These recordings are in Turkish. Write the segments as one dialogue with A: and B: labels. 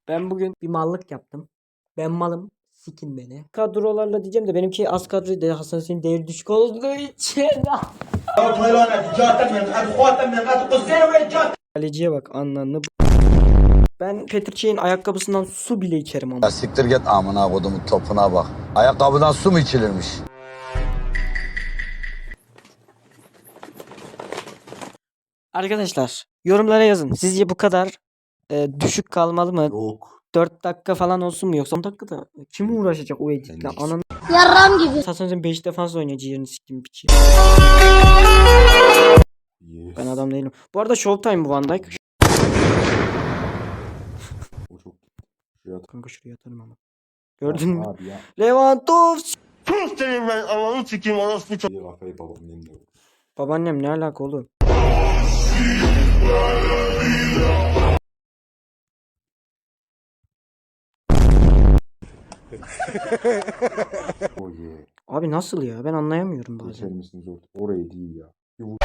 A: Ben bugün bir mallık yaptım. Ben malım. Sikin beni. Kadrolarla diyeceğim de benimki az kadroydu. Hasan senin değeri düşük olduğu için. Kaleciye bak anlamlı. Ben Petrçey'in ayakkabısından su bile içerim ama.
B: Ya siktir git amına kodumun topuna bak. Ayakkabıdan su mu içilirmiş?
A: Arkadaşlar yorumlara yazın. Sizce bu kadar düşük kalmalı mı?
C: Yok.
A: 4 dakika falan olsun mu yoksa 10 dakikada kim uğraşacak o editle? Ananı
D: Yarram gibi.
A: Hasan 5 defans oynuyor ciğerini siktim piçi.
C: Yes.
A: Ben adam değilim. Bu arada Showtime bu Van Dijk.
C: O çok. Şuraya at.
A: Kanka şuraya atarım ama. Gördün mü?
C: Abi ya.
A: Lewandowski.
C: İyi kafayı babamın elinde.
A: Babaannem ne alaka oğlum?
C: O ye.
A: Abi nasıl ya? Ben anlayamıyorum
C: Geçer
A: bazen.
C: misiniz orada? Orayı değil ya.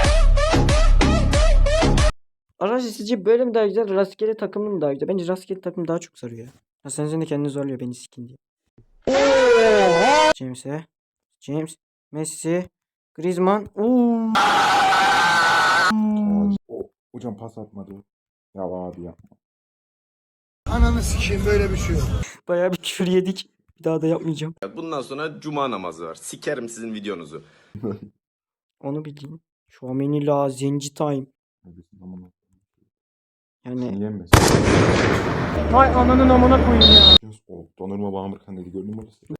A: Arkadaşlar sizce böyle mi daha güzel? Rastgele takımlı mı daha güzel? Bence rastgele takım daha çok sarıyor ya. Hasan sen de kendini zorluyor beni sikin diye. James'e. James. Messi. Griezmann.
C: O, hocam pas atmadı. Ya abi yapma.
E: Ananı sikeyim böyle bir şey yok.
A: Bayağı bir küfür yedik. Bir daha da yapmayacağım.
F: Bundan sonra cuma namazı var. Sikerim sizin videonuzu.
A: Onu bileyim. Şuameni la zenci time.
C: Neredesin amına?
A: Yani
C: Yiyemez.
A: hay ananın amına koyayım ya.
C: O donurma bağımırken dedi gördün mü orası?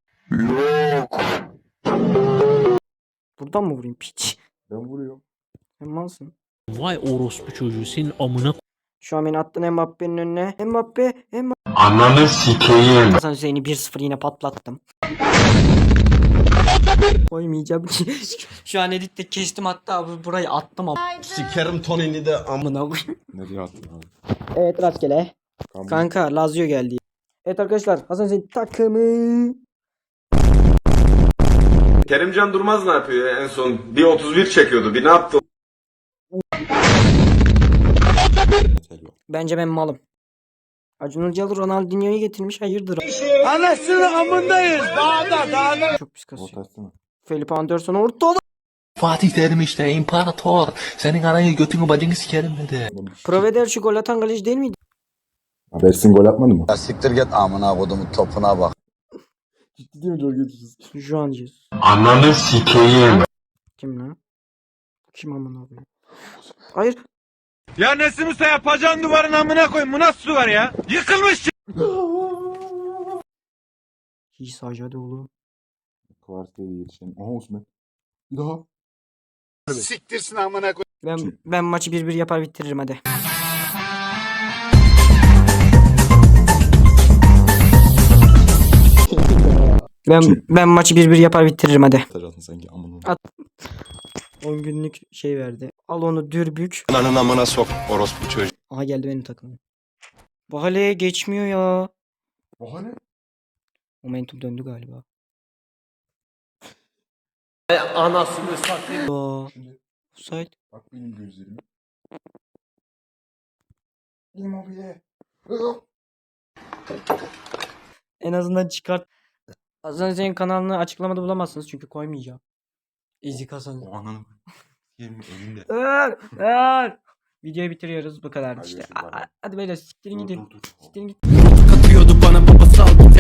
A: Buradan mı vurayım piç?
C: Ben vuruyorum.
A: Sen malsın.
G: Vay orospu çocuğu senin amına
A: Şu an beni attın Mbappe'nin önüne. Mbappe.
B: Ananı sikeyim.
A: Hasan Hüseyin'i 1-0 yine patlattım. Koymayacağım ki. Şu an editte kestim hatta burayı attım ama.
F: Sikerim Tony'ni de
A: Amına koyayım.
C: Nereye attın abi?
A: Evet rastgele. Kanka Lazio geldi. Evet arkadaşlar Hasan Hüseyin takımı.
F: Kerimcan Durmaz ne yapıyor ya? En son bir 31 çekiyordu. Bir ne yaptı?
C: Yeter yok.
A: Bence ben malım. Acun Ilıcalı Ronaldinho'yu getirmiş hayırdır.
E: Anasını amındayız. Dağda.
A: Çok pis kasıyor.
C: Ortasına.
A: Felipe Anderson ortada.
H: Fatih Terim işte imparator. Senin anayı götünü bacını sikerim dedi.
A: Proveder şu gol atan kaleci değil miydi?
C: Abi Ersin gol atmadı mı?
B: Ya siktir git amına kodumun topuna bak.
C: Ciddi değil mi Jorge Jesus?
A: Şu an Jesus.
B: Ananı sikeyim.
A: Kim lan? Kim amına koyayım? Hayır.
E: Ya Nesim Usta yapacağın duvarın amına koyayım. Bu nasıl duvar ya? Yıkılmış.
A: İsa hadi oğlum.
C: Kvarsiyeli yetişen. Aha Osman. Bir daha.
E: Siktirsin amına koyayım.
A: Ben maçı 1-1 yapar bitiririm hadi. Ben maçı 1-1 yapar bitiririm hadi.
C: Atacaksın sanki amına.
A: 10 günlük şey verdi. Al onu dürbük.
F: Ananın amına sok orospu çocuğu.
A: Aha geldi benim takımım. Bahane geçmiyor ya.
C: Oha ne?
A: Momentum döndü galiba.
F: Anasını satayım.
A: Aa,
C: Şimdi
A: offside.
C: bak benim gözlerime. Immobile.
A: En azından çıkart. Hasan senin kanalını açıklamada bulamazsınız çünkü koymayacağım. Ezik Hasan.
C: O ananı. Yemin elinde.
A: Videoyu bitiriyoruz bu kadar
C: Hadi
A: işte.
C: görüşürüz, bay bay.
A: Hadi beyler siktirin gidin.
C: Dur.
A: Siktirin gidin.
G: katıyordu bana babası al